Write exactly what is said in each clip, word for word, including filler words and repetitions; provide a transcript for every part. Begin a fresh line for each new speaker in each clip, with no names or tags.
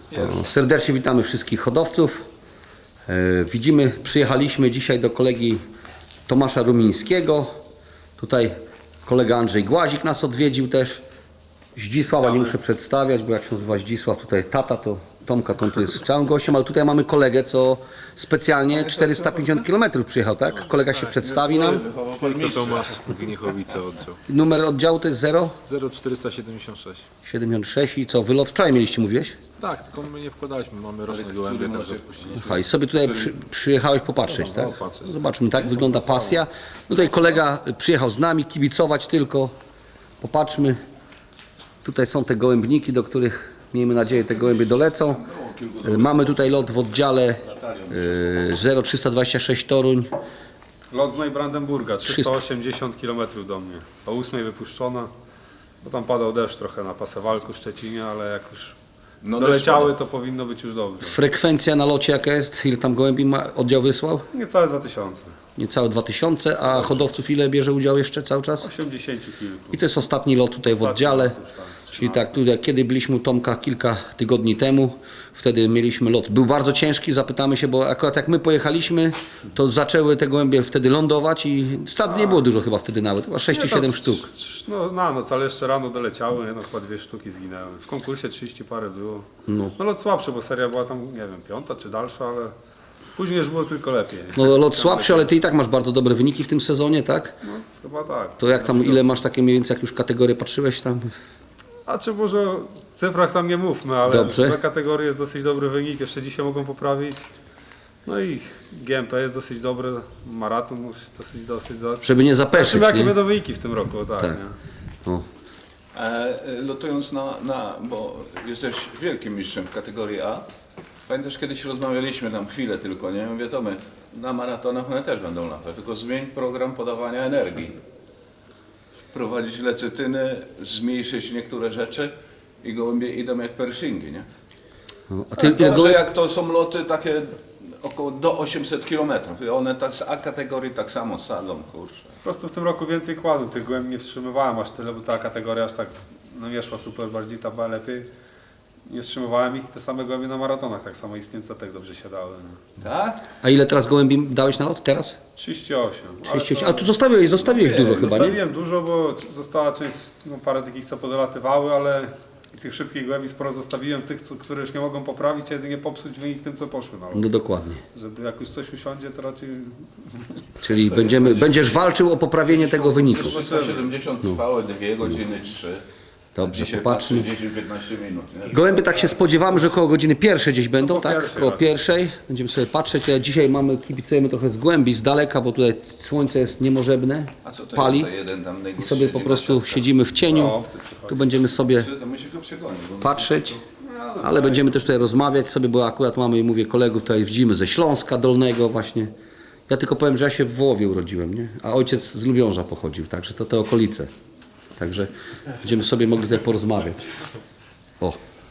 O, serdecznie witamy wszystkich hodowców. E, widzimy, przyjechaliśmy dzisiaj do kolegi Tomasza Rumińskiego. Tutaj kolega Andrzej Głazik nas odwiedził też. Zdzisława nie muszę przedstawiać, bo jak się nazywa Zdzisław, tutaj tata, to Tomka, to on tu jest całym gościem, ale tutaj mamy kolegę, co specjalnie czterysta pięćdziesiąt kilometrów przyjechał, tak? Kolega się przedstawi nam.
Tylko Tomasz, Gniechowice oddział.
Numer oddziału to jest zero
zero czterysta siedemdziesiąt sześć.
siedemdziesiąt sześć i co? Wylot wczoraj mieliście, mówiłeś?
Tak, tylko my nie wkładaliśmy, mamy roczne gołębie, także odpuściliśmy.
Aha, i sobie tutaj przy, przyjechałeś popatrzeć, tak?
Popatrzeć.
Zobaczmy, tak wygląda pasja. No tutaj kolega przyjechał z nami, kibicować tylko. Popatrzmy. Tutaj są te gołębniki, do których miejmy nadzieję te gołębie dolecą. Mamy tutaj lot w oddziale y, zero trzysta dwadzieścia sześć Toruń.
Lot z Neubrandenburga, trzysta osiemdziesiąt kilometrów do mnie. O ósmej wypuszczona, bo tam padał deszcz trochę na Pasewalku, Szczecinie, ale jak już
No
doleciały, to powinno być już dobrze.
Frekwencja na locie jaka jest? Ile tam gołębi ma oddział wysłał?
Niecałe dwa tysiące.
Niecałe dwa tysiące, a hodowców ile bierze udział jeszcze cały czas?
osiemdziesiąt kilku.
I to jest ostatni lot tutaj w
Ostatni
oddziale.
lot już, tak,
Czyli tak, tutaj, kiedy byliśmy u Tomka kilka tygodni temu, wtedy mieliśmy lot. Był bardzo ciężki, zapytamy się, bo akurat jak my pojechaliśmy, to zaczęły te gołębie wtedy lądować i stad nie było dużo chyba wtedy nawet, chyba sześć czy siedem sztuk.
No na noc, ale jeszcze rano doleciały, no chyba dwie sztuki zginęły. W konkursie trzydzieści parę było.
No.
No lot słabszy, bo seria była tam, nie wiem, piąta czy dalsza, ale później już było tylko lepiej.
No lot słabszy, ale ty i tak masz bardzo dobre wyniki w tym sezonie, tak?
No chyba tak.
To jak tam, ile masz takie mniej więcej, jak już kategorie patrzyłeś tam?
A czy może o cyfrach tam nie mówmy, ale
Dobrze.
w kategorii jest dosyć dobry wynik, jeszcze dzisiaj mogą poprawić. No i G M P jest dosyć dobry, maraton dosyć, dosyć za...
Żeby nie zapeszyć,
Zobaczymy jakie
nie?
będą wyniki w tym roku, tak.
Tak.
Nie?
O.
E, lotując na, na, bo jesteś wielkim mistrzem w kategorii A. Pamiętasz, kiedyś rozmawialiśmy tam chwilę tylko, nie? Mówię, Tomek, na maratonach one też będą latać, tylko zmień program podawania energii. Wprowadzić lecytyny, zmniejszyć niektóre rzeczy i gołębie idą jak pershingi, nie?
No. A ty, ile
Zawsze
gołębi,
jak to są loty takie około do osiemset kilometrów i one tak z A kategorii tak samo sadzą, kurczę.
Po prostu w tym roku więcej kładłem, tych gołębi nie wstrzymywałem aż tyle, bo ta kategoria aż tak no nie szła super, bardziej ta była lepiej. Nie wstrzymywałem ich, te same gołębie na maratonach, tak samo i z pięćsetek dobrze siadały. No.
Tak?
a ile teraz gołębi dałeś na lot teraz?
trzydzieści osiem.
trzydzieści osiem. A tu zostawiłeś, zostawiłeś dużo chyba, nie?
Zostawiłem dużo, bo została część, no parę takich, co podlatywały, ale i tych szybkich głębi sporo zostawiłem, tych, co, które już nie mogą poprawić, a jedynie popsuć wynik tym, co poszły na lot.
No dokładnie.
Żeby jak już coś usiądzie, to raczej...
Czyli będziemy, będziesz walczył o poprawienie tego wyniku.
trzysta siedemdziesiąt trwały dwie godziny trzy.
Dobrze,
Dzisiaj
popatrzmy.
dziesięć piętnaście minut. Nie?
Gołębie tak się spodziewamy, że około godziny pierwszej gdzieś będą,
No po
tak?
pierwszej
Koło
raczej.
pierwszej. Będziemy sobie patrzeć. Tutaj dzisiaj mamy, kibicujemy trochę z głębi, z daleka, bo tutaj słońce jest niemożebne,
A co to
pali.
jest za jeden tam
I
najgorszy
sobie po
dzień
prostu
na siatkach?
siedzimy w cieniu.
O, psy przychodzi.
Tu będziemy sobie
To my się go przegoni. bo-
patrzeć, ale będziemy też tutaj rozmawiać sobie, bo akurat mamy, mówię, kolegów tutaj widzimy ze Śląska Dolnego właśnie. Ja tylko powiem, że ja się w Wołowie urodziłem, nie? A ojciec z Lubiąża pochodził, także to te okolice. Także będziemy sobie mogli tutaj porozmawiać. O,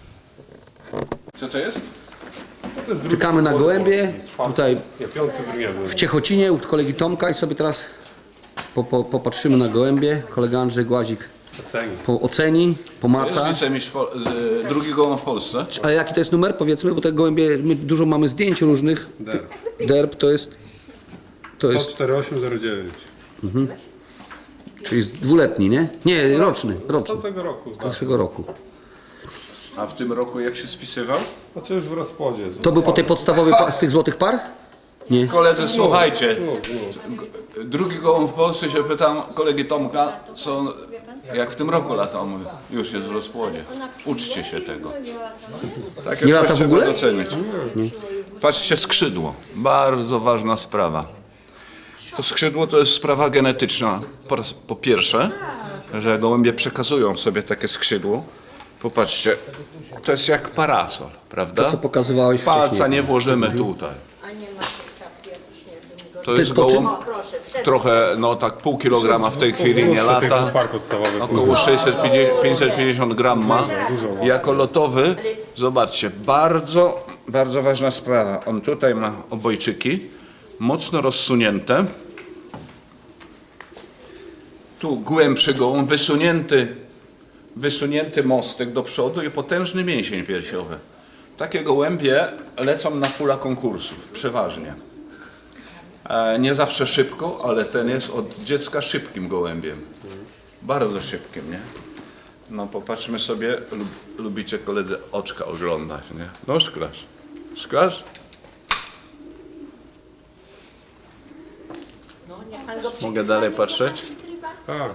Co to jest?
To jest drugi
czekamy na
podwór,
gołębie.
czwarty,
Tutaj
nie, piąty w
w Ciechocinie u kolegi Tomka i sobie teraz po, po, popatrzymy na gołębie. Kolega Andrzej Głazik
Oceni.
po oceni,
To jest
pomaca.
wicemistrz Pol- z- drugi gołąb w Polsce.
Ale jaki to jest numer, powiedzmy, bo te gołębie, my dużo mamy zdjęć różnych.
Derb.
Derb to jest, to
sto
jest,
cztery osiem zero dziewięć.
czyli jest dwuletni, nie? Nie, roczny,
Z
roczny,
tamtego roku.
z
Tak.
zeszłego roku.
A w tym roku jak się spisywał?
Znaczy już w rozpłodzie.
To był po tej podstawowej pa- z tych złotych par? Nie.
Koledzy, słuchajcie.
No, no.
Drugi gołąb w Polsce się pytam kolegi Tomka, co, jak w tym roku latał. Mówi, już jest w rozpłodzie. Uczcie się tego. Takie
Nie
coś
lata w
trzeba
ogóle?
docenić. Patrzcie, skrzydło. Bardzo ważna sprawa. To skrzydło to jest sprawa genetyczna. Po, raz- po pierwsze, że gołębie przekazują sobie takie skrzydło. Popatrzcie, to jest jak parasol, prawda?
To co pokazywałeś
Palca
wcześniej.
nie włożymy tutaj.
A nie ma czapki jakiejś, nie wiem,
To jest
po czym?
gołąb,
O, proszę, przed...
trochę, no tak pół kilograma w tej chwili nie lata.
Park podstawowy.
Około sześćset pięćdziesiąt pięćset pięćdziesiąt gram ma. Jako lotowy, zobaczcie, bardzo, bardzo ważna sprawa. On tutaj ma obojczyki, mocno rozsunięte. Tu głębszy gołąb, wysunięty, wysunięty mostek do przodu i potężny mięsień piersiowy. takie gołębie lecą na fula konkursów, przeważnie. E, nie zawsze szybko, ale ten jest od dziecka szybkim gołębiem. Bardzo szybkim, nie? No popatrzmy sobie, lub, lubicie koledzy oczka oglądać, nie? No szklasz. Szklasz?
No, niech pan go
Mogę dalej patrzeć?
Tak.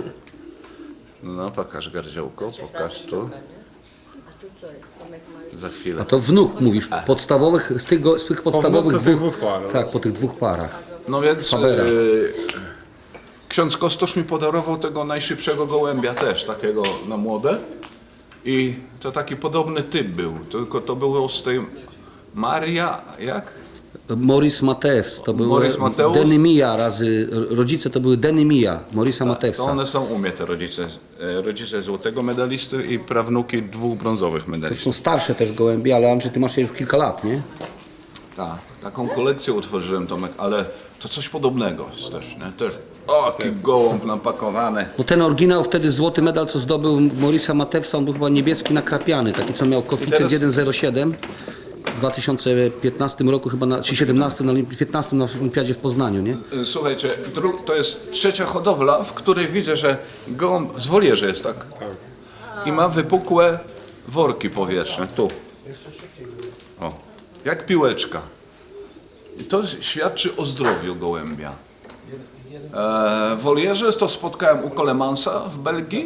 No pokaż gardziołko, pokaż tu.
A tu co jest? Tomek ma
Za chwilę.
A to wnuk mówisz, podstawowych, z tych, go, z tych podstawowych
wnuce tych
dwóch,
dwóch par, no.
tak, po tych dwóch parach.
No więc
Fabera.
e, ksiądz Kostosz mi podarował tego najszybszego gołębia też, takiego na młode. I to taki podobny typ był, tylko to było z tej Maria, jak?
Maurice Mateusz, to był
Maurice Mateusz?
Denymia razy, rodzice to były Denymia, Maurice'a
To
Mateusa.
one są u mnie te rodzice, e, rodzice złotego medalisty i prawnuki dwóch brązowych
To
medalistów.
są starsze też gołębie, ale Andrzej, ty masz je już kilka lat, nie?
Tak, taką kolekcję utworzyłem, Tomek, ale to coś podobnego jest też, nie? Też, o, jaki gołąb napakowany.
No ten oryginał wtedy złoty medal, co zdobył Maurice'a Mateusa, on był chyba niebieski nakrapiany, taki co miał koeficjent
teraz-
jeden zero siedem. W dwa tysiące piętnastym roku chyba, na, czy siedemnastym, na Olimpi- piętnastym na Olimpiadzie w Poznaniu, nie?
Słuchajcie, dru- to jest trzecia hodowla, w której widzę, że gołąb z wolierze jest, tak? I ma wypukłe worki powietrzne, tu. O, jak piłeczka. I to świadczy o zdrowiu gołębia. E, w wolierze to spotkałem u Colemansa w Belgii,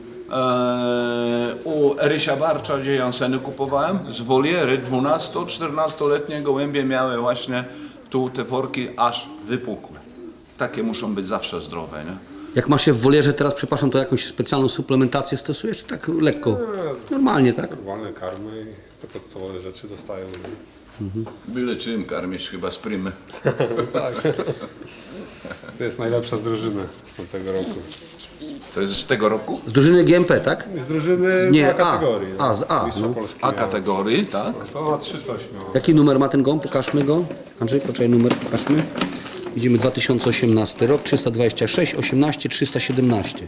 e, u Erysia Barcza, gdzie Janseny kupowałem. Z woliery dwunasto-czternastoletnie gołębie miały właśnie tu te worki aż wypukłe. Takie muszą być zawsze zdrowe, nie?
Jak masz się w wolierze teraz, przepraszam, to jakąś specjalną suplementację stosujesz, czy tak lekko? Normalnie, tak?
Normalne karmy i te podstawowe rzeczy dostają.
Byle czym karmisz, chyba z prymy.
Tak. To jest najlepsza z drużyny z tamtego roku.
To jest z tego roku?
Z drużyny G M P, tak?
Z drużyny
Nie,
A
A.
kategorii. no.
A, z A,
Mistrza
no.
Polski
A
miał.
kategorii, tak?
To na trzy coś miało.
Jaki numer ma ten gołąb? Pokażmy go. Andrzej, poczekaj, numer pokażmy. Widzimy dwa tysiące osiemnasty rok, trzysta dwadzieścia sześć, osiemnaście, trzysta siedemnaście.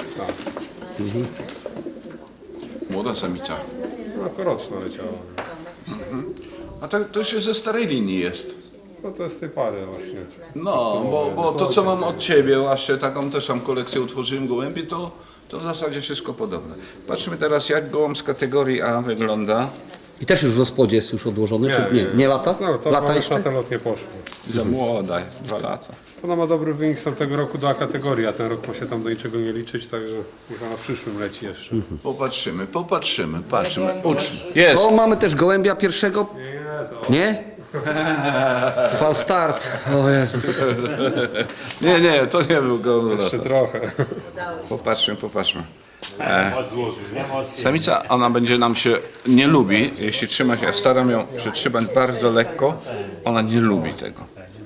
Młoda samica.
No koroczno leciało.
A to, to się ze starej linii jest.
No to jest z tej pary właśnie.
No, bo, bo to co mam od Ciebie, właśnie taką też tam kolekcję utworzyłem gołębi, to, to w zasadzie wszystko podobne. Patrzmy teraz, jak gołąb z kategorii A wygląda.
I też już w rozpodzie jest już odłożony, czy nie? Nie lata?
No, to
Lata
na
jeszcze?
ten lot nie poszło.
Za młoda, dwa lata.
Ona ma dobry wynik z tamtego roku do A kategorii, a ten rok ma się tam do niczego nie liczyć, także niech ona w przyszłym leci jeszcze.
Popatrzymy, popatrzymy, patrzymy, uczmy. Jest!
O, mamy też gołębia pierwszego.
Nie, to
Nie? Fal start. O Jezus.
Nie, nie, to nie był gołąb.
jeszcze trochę.
Popatrzmy, popatrzmy. E, samica, ona będzie nam się, nie lubi, jeśli trzymać, ja staram ją przytrzymać bardzo lekko, ona nie lubi tego.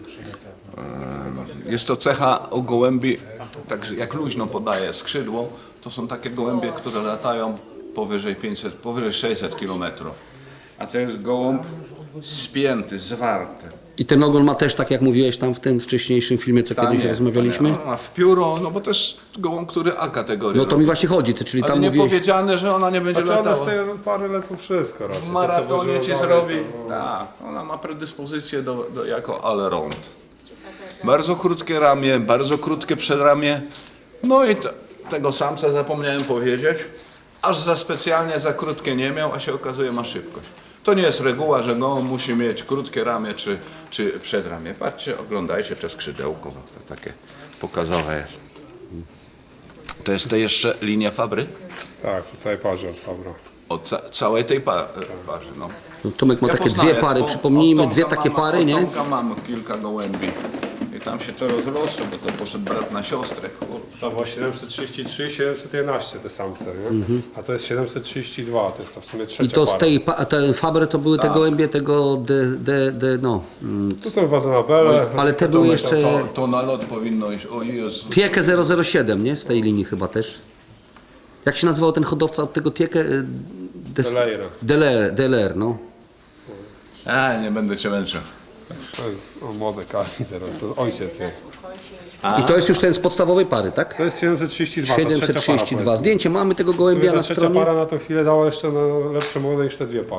E, jest to cecha u gołębi, także jak luźno podaje skrzydło, to są takie gołębie, które latają powyżej pięćset, powyżej sześćset kilometrów. A to jest gołąb spięty, zwarty.
I ten ogon ma też, tak jak mówiłeś tam w tym wcześniejszym filmie, co kiedyś rozmawialiśmy.
A w pióro, no bo to jest gołąb, który A kategorii
No to
robi.
mi właśnie chodzi, ty, czyli
Ale
tam
nie
mówiłeś...
powiedziane, że ona nie będzie
Znaczy one z
latała.
tej pary lecą wszystko raczej.
W
Te, co
maratonie
włożyły
ci
dalej,
zrobi.
to-
Tak, ona ma predyspozycję do, do, jako all-round. Bardzo krótkie ramię, bardzo krótkie przedramię. No i te, tego samca zapomniałem powiedzieć. Aż za specjalnie za krótkie nie miał, a się okazuje ma szybkość. To nie jest reguła, że gołąb musi mieć krótkie ramię czy, czy przedramię. Patrzcie, oglądajcie to skrzydełko, to takie pokazowe jest. To jest to jeszcze linia Fabry?
Tak, w całej parze od Fabra.
O ca całej tej pa parze, no.
No, Tomek ma
Ja
takie
poznaję,
dwie pary,
bo
przypomnijmy,
od
dwie
Tomka
takie
mam-
pary,
od
nie?
Tomka mam kilka gołębi. I tam się to rozrosło, bo to poszedł brat na siostrę. Kur-
To było siedemset trzydzieści trzy i siedemset jedenaście te samce, nie? A to jest siedemset trzydzieści dwa, to jest to w sumie trzecia
I to z
para.
tej, pa- ten Faber to były te
Tak.
gołębie tego, de, de, de, no, mm,
Tu są Wadenabele.
ale te były jeszcze
To, to na lot powinno iść, o Jezu.
Tiekę zero zero siedem, nie? Z tej linii chyba też. Jak się nazywał ten hodowca od tego Tiekę? Y, Des-
Delaire.
Delaire, Delaire, no.
A, nie będę cię męczył.
To jest o, młode kali teraz, to ojciec jest.
I to jest już ten z podstawowej pary, tak?
To jest siedemset trzydzieści dwa, to
siedemset
trzecia
trzydzieści
para,
dwa. Zdjęcie mamy tego
powiedzmy.
gołębia
Ta
na
trzecia
stronie.
para na tą chwilę dała jeszcze na lepsze młode niż te dwie pary.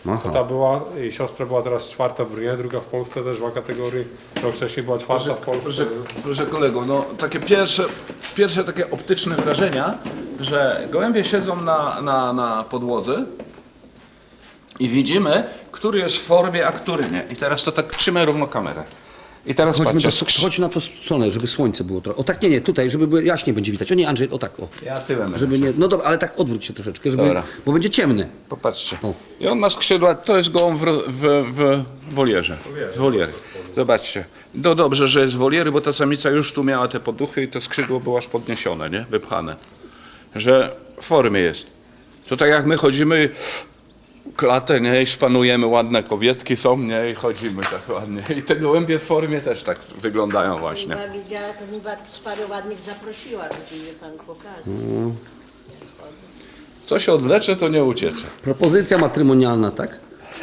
Aha.
Ta była, jej siostra była teraz czwarta w Brnie, druga w Polsce też w A kategorii. Rok wcześniej była czwarta w Polsce.
Proszę, proszę kolego, no takie pierwsze, pierwsze takie optyczne wrażenia, że gołębie siedzą na, na, na podłodze i widzimy, który jest w formie, a który nie. I teraz to tak trzymaj równo kamerę. I teraz
Chodźmy
patrzcie,
do,
skrz-
chodź na tą stronę, żeby słońce było trochę. O tak, nie, nie, tutaj, żeby było, jaśniej będzie widać. O nie, Andrzej, o tak, o.
ja tyłem.
Żeby nie, no dobra, ale tak odwróć się troszeczkę, żeby,
Dobra.
bo będzie ciemny.
Popatrzcie.
O.
I on ma skrzydła, to jest gołąb w, ro- w, w wolierze. W woliery. Zobaczcie. No dobrze, że jest woliery, bo ta samica już tu miała te poduchy i to skrzydło było aż podniesione, nie? Wypchane. Że w formie jest. To tak jak my chodzimy klatę, nie? I szpanujemy, ładne kobietki są, nie? I chodzimy tak ładnie. I te gołębie w formie też tak wyglądają właśnie.
Chyba widziała, to chyba z paru ładnych zaprosiła, żeby pan pokazał.
Co się odwlecze, to nie uciecze.
Propozycja matrymonialna, tak?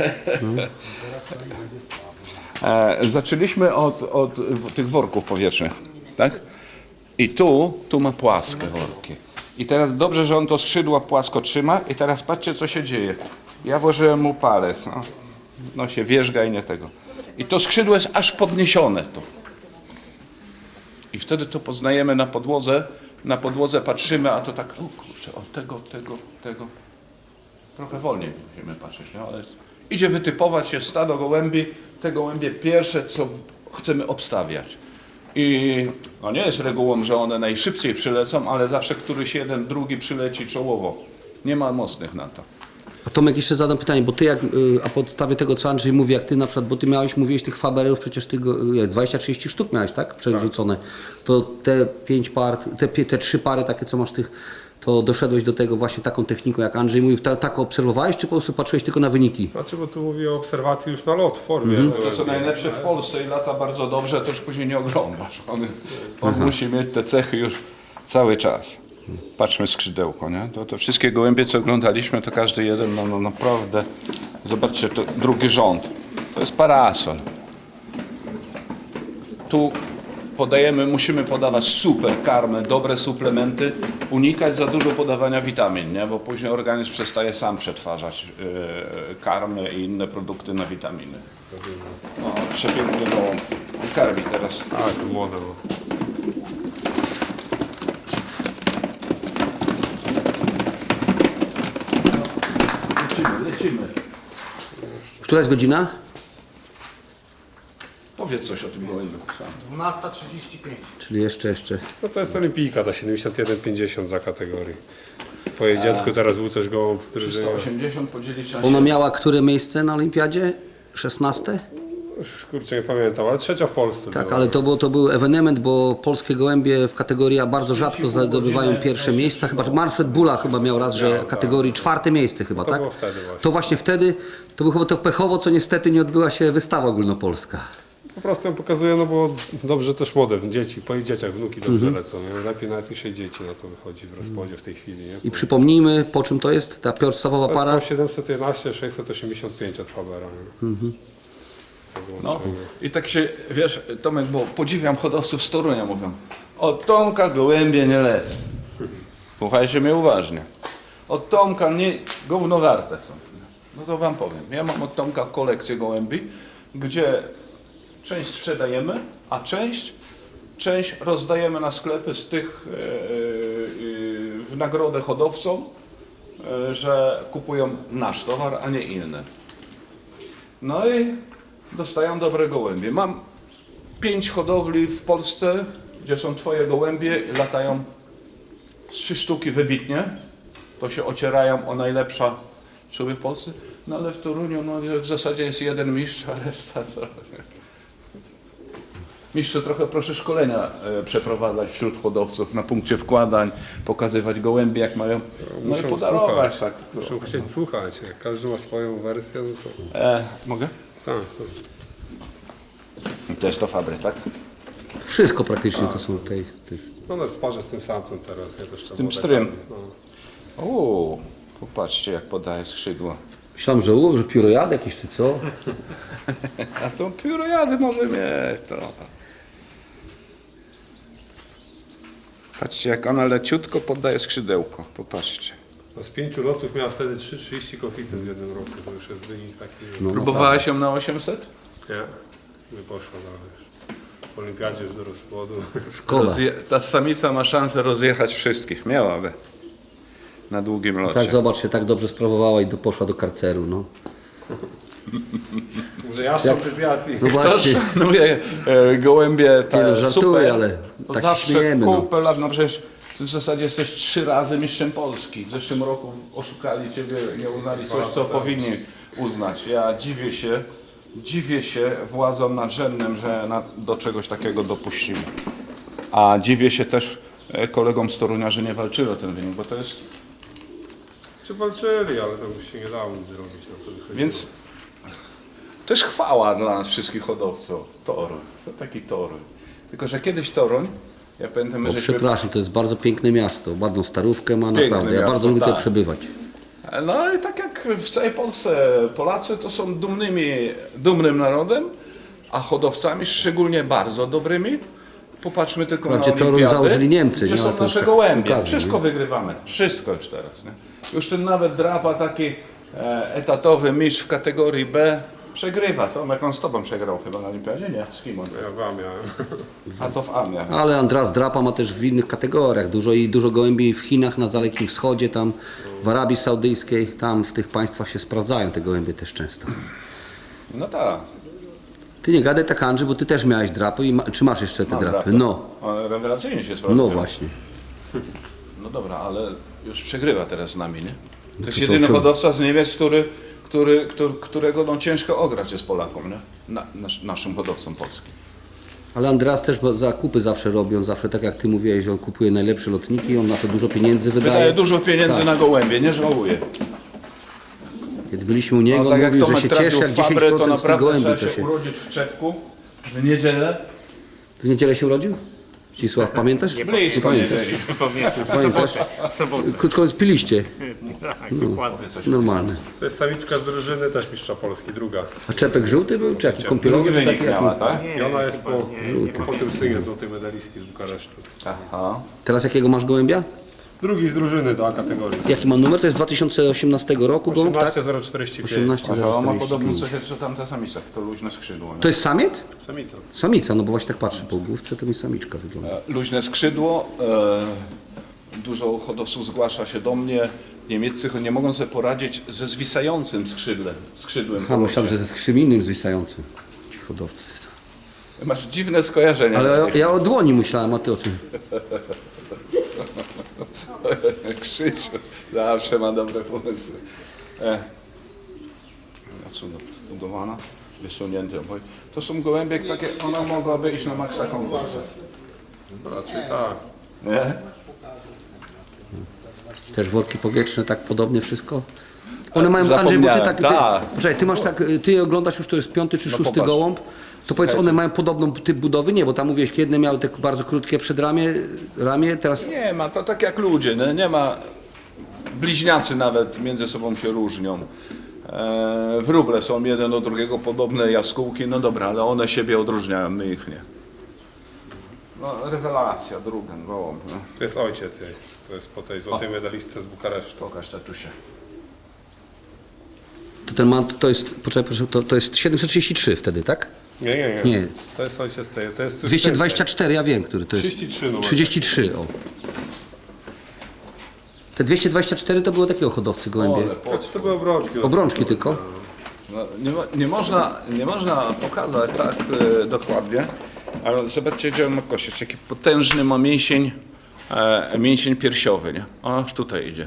E, zaczęliśmy od, od tych worków powietrznych, tak? I tu, tu ma płaskie worki. I teraz dobrze, że on to skrzydła płasko trzyma i teraz patrzcie, co się dzieje. Ja włożyłem mu palec, no, no się wierzga i nie tego. I to skrzydło jest aż podniesione tu. I wtedy to poznajemy na podłodze, na podłodze patrzymy, a to tak, o kurczę, o tego, tego, tego. Trochę wolniej musimy patrzeć, nie? Ale idzie wytypować się stado gołębi, te gołębie pierwsze, co chcemy obstawiać. I no nie jest regułą, że one najszybciej przylecą, ale zawsze któryś jeden, drugi przyleci czołowo. Nie ma mocnych na to.
A Tomek, jeszcze zadam pytanie, bo ty jak, y, a podstawie tego, co Andrzej mówi, jak ty na przykład, bo ty miałeś, mówiłeś tych faberów, przecież ty go, jak dwadzieścia trzydzieści sztuk miałeś, tak? Przerzucone. To te pięć par, te, pi- te trzy pary takie, co masz tych, to doszedłeś do tego właśnie taką techniką, jak Andrzej mówił, ta, tak obserwowałeś, czy po prostu patrzyłeś tylko na wyniki?
Znaczy, bo tu mówię o obserwacji już na lot w formie.
To co najlepsze w Polsce i lata bardzo dobrze, to już później nie oglądasz. On, on musi mieć te cechy już cały czas. Patrzmy skrzydełko, nie? To, to wszystkie gołębie, co oglądaliśmy, to każdy jeden, no, no naprawdę, zobaczcie, to drugi rząd. To jest parasol. Tu podajemy, musimy podawać super karmę, dobre suplementy, unikać za dużo podawania witamin, nie? Bo później organizm przestaje sam przetwarzać yy, karmy i inne produkty na witaminy. No, przepiękny gołąb. Karmi teraz.
Tak, młode.
Lecimy, lecimy.
Która jest godzina?
Powiedz coś o tym gołębiu.
dwunasta trzydzieści pięć.
Czyli jeszcze, jeszcze.
No to jest olimpijka, ta siedemdziesiąt jeden pięćdziesiąt za kategorii. Po jej dziecku teraz był też gołąb, który żyje.
trzysta osiemdziesiąt podzielić na
Ona
siedem.
miała które miejsce na olimpiadzie? szesnaste?
Już kurczę nie pamiętam, ale trzecia w Polsce
Tak,
była.
ale to, było, to był ewenement, bo polskie gołębie w kategorii A bardzo rzadko zdobywają pierwsze miejsca. Chyba Manfred Bula chyba miał raz, że kategorii czwarte miejsce chyba,
To
tak?
było wtedy właśnie.
To właśnie wtedy, to było chyba to pechowo, co niestety nie odbyła się wystawa ogólnopolska.
Po prostu ją pokazuję, no bo dobrze też młode, dzieci, po ich dzieciach wnuki dobrze
Mhm.
lecą. Nie? Lepiej nawet niż jej dzieci na to wychodzi w rozpodzie w tej chwili. Nie?
I przypomnijmy, po czym to jest ta podstawowa
To jest
para?
po siedemset jedenaście sześćset osiemdziesiąt pięć od Fabera. Nie?
Mhm.
Z tego
No
łączenia.
i tak się, wiesz, Tomek, bo podziwiam hodowców z Torunia, mówią, od Tomka gołębie nie lecą. Słuchajcie mnie uważnie. Od Tomka nie, gówno warte są. No to wam powiem, ja mam od Tomka kolekcję gołębi, gdzie część sprzedajemy, a część, część rozdajemy na sklepy z tych e, e, w nagrodę hodowcom, e, że kupują nasz towar, a nie inny. No i dostają dobre gołębie. Mam pięć hodowli w Polsce, gdzie są twoje gołębie, latają trzy sztuki wybitnie. To się ocierają o najlepsza czuły w Polsce. No ale w Toruniu no, w zasadzie jest jeden mistrz, a reszta to... Mistrzu, trochę proszę szkolenia e, przeprowadzać wśród hodowców na punkcie wkładań, pokazywać gołębie jak mają, no i
Muszą
podarować.
słuchać,
Tak.
muszą chcieć słuchać. Jak każdy ma swoją wersję, no to...
E, mogę?
Tak, to...
To jest to fabry, tak?
Wszystko praktycznie to są tej... tej.
No no, sparzę z tym samcem teraz. Ja też
Z tym pstrym. O, popatrzcie jak podaje skrzydła.
Myślałem, że, u, że piórojad jakiś czy co?
A to piórojady może mieć to. Patrzcie jak ona leciutko poddaje skrzydełko. Popatrzcie.
No z pięciu lotów miała wtedy trzy trzydzieści koeficjent w jednym roku. To już jest wynik taki.
No.
Próbowałeś ją na osiemset?
Nie, nie poszło dalej. W olimpiadzie już do rozpłodu.
Szkoda.
Rozje- ta samica ma szansę rozjechać wszystkich. Miałaby. Na długim locie.
Tak, zobacz, się tak dobrze sprawowała i do, poszła do karceru, no.
Może ja by zjadł i...
No
Kto
właśnie.
szanuje e, gołębie te
Nie no, żartuję,
super,
ale
to
tak się
zawsze
śmiejemy, no.
kupę lat, no przecież w zasadzie jesteś trzy razy mistrzem Polski. W zeszłym roku oszukali Ciebie, nie uznali coś, co powinni uznać. Ja dziwię się, dziwię się władzom nadrzędnym, że na, do czegoś takiego dopuścili. A dziwię się też e, kolegom z Torunia, że nie walczyli o ten wynik, bo to jest...
Czy walczyli, ale to już się nie dało nic zrobić. Na to wychodziło.
Więc to jest chwała dla nas wszystkich hodowców. Toruń, to taki Toruń. Tylko, że kiedyś Toruń, ja pamiętam,
O,
że żeśmy...
przepraszam, to jest bardzo piękne miasto, ładną starówkę ma,
Piękne
naprawdę. Ja
miasto,
bardzo lubię
tak.
tutaj przebywać.
No i tak jak w całej Polsce, Polacy to są dumnymi, dumnym narodem, a hodowcami szczególnie bardzo dobrymi. Popatrzmy tylko
Wprawdzie
na
Toruń
olimpiady,
założyli Niemcy,
gdzie
nie? Ale
są
to już
nasze
tak
gołębie.
przy okazji,
Wszystko
nie?
wygrywamy. Wszystko już teraz. Nie? Już ten nawet drapa taki e, etatowy mistrz w kategorii B przegrywa. Tomek, on z tobą przegrał chyba na olimpiadzie? Nie, z kim on?
Ja wam miałem.
A to w Amia.
Ale Andras Drapa ma też w innych kategoriach dużo i dużo gołębi w Chinach, na Dalekim Wschodzie, tam w Arabii Saudyjskiej, tam w tych państwach się sprawdzają te gołębie też często.
No tak.
Ty nie gadaj tak, Andrzej, bo ty też miałeś drapy i ma, czy masz jeszcze te
Mam
drapy?
drapę.
No,
On rewelacyjnie się sprawdza.
no właśnie.
No dobra, ale już przegrywa teraz z nami, nie? To jest
to-
jedyny
to-
hodowca z Niemiec, który, który, który, którego no ciężko ograć jest Polakom, nie? Na, nasz, naszym hodowcom polskim.
Ale Andreas też bo zakupy zawsze robi, on zawsze tak jak ty mówiłeś, że on kupuje najlepsze lotniki, on na to dużo pieniędzy wydaje.
Wydaje dużo pieniędzy
Tak.
na gołębie, nie żałuje.
Kiedy byliśmy u niego,
No,
on
tak jak
mówił, że
Tomek
się
trafił
cieszy jak
w Fabrę, to
dziesięć procent z tych
naprawdę
gołębi
trzeba
to
się
się...
urodzić w czepku w niedzielę.
W niedzielę się urodził? Cisław, pamiętasz? Nie,
Blisko
pamiętasz.
Pamiętam, w
Pamiętasz?
sobotę. W sobotę.
Krótko mówiąc, piliście.
Tak, dokładnie.
Normalne.
To jest samiczka z drużyny, też mistrza Polski, druga.
A czepek żółty był? Czy jaki
Drugi
kąpielowy? Czy
wynik
taki jaki?
miała, tak?
I ona jest po,
Żółty.
po tym synie złotej medalistki z Bukaresztu.
Aha.
Teraz jakiego masz gołębia?
Drugi z drużyny do A kategorii.
Jaki ma numer? To jest z dwa tysiące osiemnastego roku gołąb, tak?
osiemnaście zero czterdzieści pięć.
osiemnaście
Aha,
zero
on ma
czterdzieści
podobny
pięć.
cechy, co tamta samica, to luźne skrzydło. Nie?
To jest samiec?
Samica.
Samica, no bo właśnie tak patrzę po główce, to mi samiczka wygląda.
E, Luźne skrzydło. E, dużo hodowców zgłasza się do mnie. Niemieccy nie mogą sobie poradzić ze zwisającym skrzydłem. skrzydłem
A
po
myślałem,
locie.
że ze skrzym innym zwisającym. Ci hodowcy.
Masz dziwne skojarzenia.
Ale ja o dłoni myślałem, a ty o czym?
Krzysiu zawsze ma dobre pomysły. E. Cudownie budowana, wysunięty oboj. To są gołębie takie, ona mogłaby iść na maksa konkurs.
Raczej tak.
Nie?
Też worki powietrzne, tak podobnie wszystko? One mają, Andrzej, bo ty tak, ty,
tak.
poczekaj, ty masz tak, ty je oglądasz już, to jest piąty czy
No
szósty
popatrz.
gołąb, to powiedz, one mają podobną typ budowy? Nie, bo tam mówiłeś, jedne miały te bardzo krótkie przedramię, ramię, teraz...
Nie ma, to tak jak ludzie, nie, nie ma, bliźniacy nawet między sobą się różnią. E, wróble są jeden do drugiego podobne, jaskółki, no dobra, ale one siebie odróżniają, my ich nie. No, rewelacja, druga, gołąb. No.
To jest ojciec jej. To jest po tej złotej medalistce z Bukaresztu.
Pokaż tatusie.
To ten man, to jest, poczekaj, proszę, to, to jest siedemset trzydzieści trzy wtedy, tak?
Nie, nie, nie.
Nie.
To jest ojciec tej. To jest
dwieście dwadzieścia cztery, ja wiem, który to jest.
trzydzieści trzy numer.
trzydzieści trzy, o. Te dwieście dwadzieścia cztery to było takiego hodowcy gołębie.
Ole,
To, to były obrączki.
Obrączki tylko.
No, nie, mo- nie, można, nie można pokazać tak e, dokładnie, ale zobaczcie, gdzie on ma kościec, jaki potężny ma mięsień, e, mięsień piersiowy, nie? Aż tutaj idzie.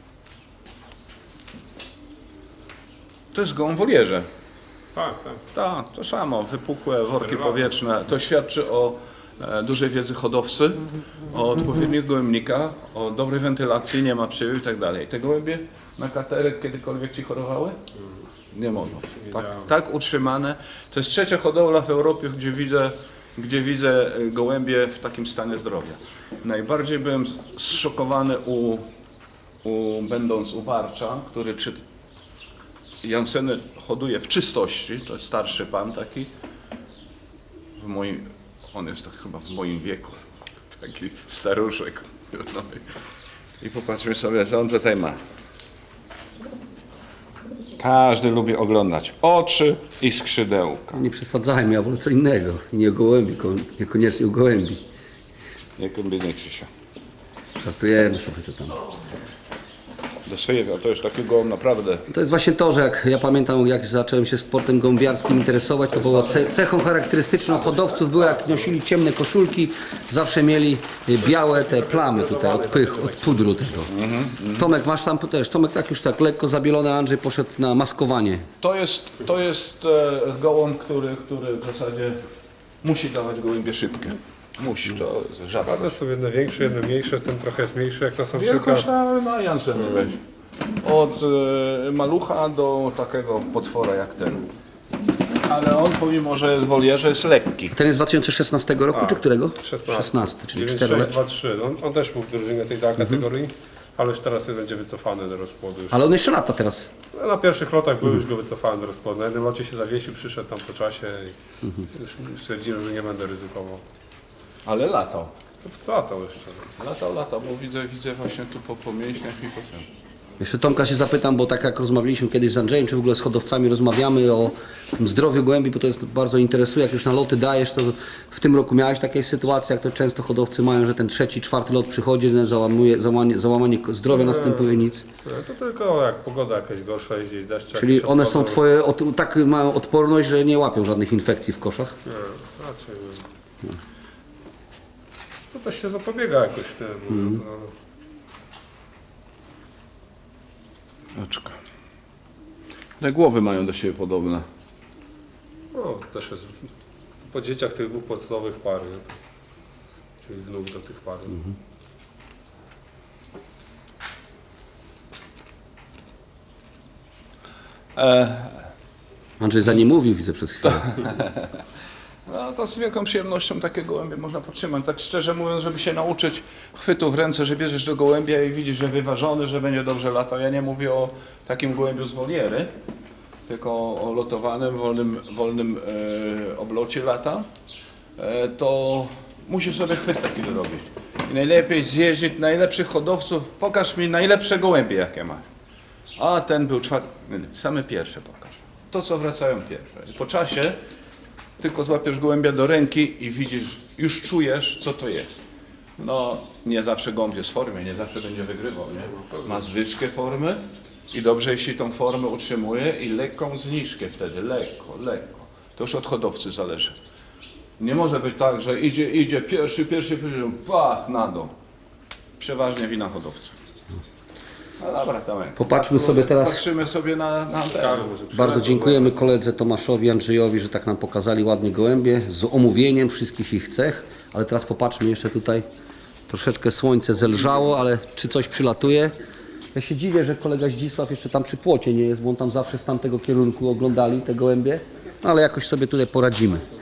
To jest gołąb w wolierze.
Tak, tak.
Tak, to samo, wypukłe worki powietrzne. To świadczy o e, dużej wiedzy hodowcy, o odpowiednich gołębnikach, o dobrej wentylacji, nie ma przywiew i tak dalej. Te gołębie na katerek kiedykolwiek ci chorowały? Nie mogą. Tak, tak utrzymane. To jest trzecia hodowla w Europie, gdzie widzę, gdzie widzę gołębie w takim stanie zdrowia. Najbardziej byłem zszokowany u, u będąc u Barcza, który czy Janseny hoduje w czystości, to jest starszy pan taki, w moim, on jest tak chyba w moim wieku, taki staruszek. No i, i popatrzmy sobie, co on tutaj ma. Każdy lubi oglądać oczy i skrzydełka.
Nie przesadzajmy, ja wolę co innego. I nie o gołębi, ko- niekoniecznie o gołębi.
Nie kombinuje Krzysia.
Żartujemy sobie to tam.
Do swojego, to jest takiego naprawdę.
To jest właśnie to, że jak ja pamiętam, jak zacząłem się sportem gołębiarskim interesować, to było ce- cechą charakterystyczną hodowców było, jak nosili ciemne koszulki, zawsze mieli y, białe te plamy tutaj od pych, od pudru tego. Tomek, masz tam też, Tomek tak już tak lekko zabielony, Andrzej poszedł na maskowanie.
To jest, to jest e, gołąb, który, który w zasadzie musi dawać gołębie szybkie. Musi, to żadne.
A to są jedne większe, jedne mniejsze, ten trochę jest mniejszy jak na samczyka.
Wielkość na, na Jansen weź. Od e, malucha do takiego potwora jak ten. Ale on pomimo, że jest w wolierze, jest lekki.
Ten jest z dwa tysiące szesnastego roku, czy którego?
szesnasty.
szesnasty, czyli
dziewięć
cztery
sześć
lata.
dwa trzy. On, on też był w drużynie tej tak kategorii, ale już teraz będzie wycofany do rozpłodu. Już.
Ale on jeszcze lata teraz.
Na pierwszych lotach był, już go wycofałem do rozpłodu. Na jednym locie się zawiesił, przyszedł tam po czasie i już stwierdziłem, że nie będę ryzykował.
Ale latał.
Latał jeszcze.
Latał, latał, bo widzę, widzę właśnie tu po, po mięśniach i po tym.
Jeszcze Tomka się zapytam, bo tak jak rozmawialiśmy kiedyś z Andrzejem, czy w ogóle z hodowcami rozmawiamy o tym zdrowiu gołębi, bo to jest bardzo interesuje, jak już na loty dajesz, to w tym roku miałeś takie sytuacje, jak to często hodowcy mają, że ten trzeci, czwarty lot przychodzi, no, załamuje, załamanie, załamanie zdrowia następuje, nic.
No, to tylko jak pogoda jakaś gorsza, jest gdzieś deszcze.
Czyli
jakieś
one są
odchodzą.
twoje, od, tak mają odporność, że nie łapią żadnych infekcji w koszach?
Nie, raczej nie. To też się zapobiega jakoś w tym. Mm. To,
Oczka. Te głowy mają do siebie podobne.
no, to też jest po dzieciach tych dwóch podstawowych par, nie? To, czyli wnuk do tych par.
Andrzej za nie mówił, widzę przez chwilę.
No to z wielką przyjemnością takie gołębie można podtrzymać. Tak szczerze mówiąc, żeby się nauczyć chwytu w ręce, że bierzesz do gołębia i widzisz, że wyważony, że będzie dobrze latał. Ja nie mówię o takim gołębiu z woliery, tylko o lotowanym, wolnym, wolnym e, oblocie lata. E, to musisz sobie chwyt taki zrobić. I najlepiej zjeździć najlepszych hodowców. Pokaż mi najlepsze gołębie, jakie masz. A ten był czwarty. Same pierwsze pokaż. To, co wracają pierwsze. I po czasie tylko złapiesz gołębia do ręki i widzisz, już czujesz, co to jest. No, nie zawsze gołąb jest w formie, nie zawsze będzie wygrywał, nie? Ma zwyżkę formy i dobrze, jeśli tą formę utrzymuje i lekką zniżkę wtedy, lekko, lekko. To już od hodowcy zależy. Nie może być tak, że idzie, idzie pierwszy, pierwszy, pierwszy, pach, na dół. Przeważnie wina hodowcy. No dobra, Tomek.
Popatrzmy sobie teraz-
Patrzymy sobie na, na ten.
Bardzo dziękujemy koledze Tomaszowi, Andrzejowi, że tak nam pokazali ładnie gołębie z omówieniem wszystkich ich cech, ale teraz popatrzmy jeszcze tutaj, troszeczkę słońce zelżało, ale czy coś przylatuje? Ja się dziwię, że kolega Zdzisław jeszcze tam przy płocie nie jest, bo on tam zawsze z tamtego kierunku oglądali te gołębie, no ale jakoś sobie tutaj poradzimy.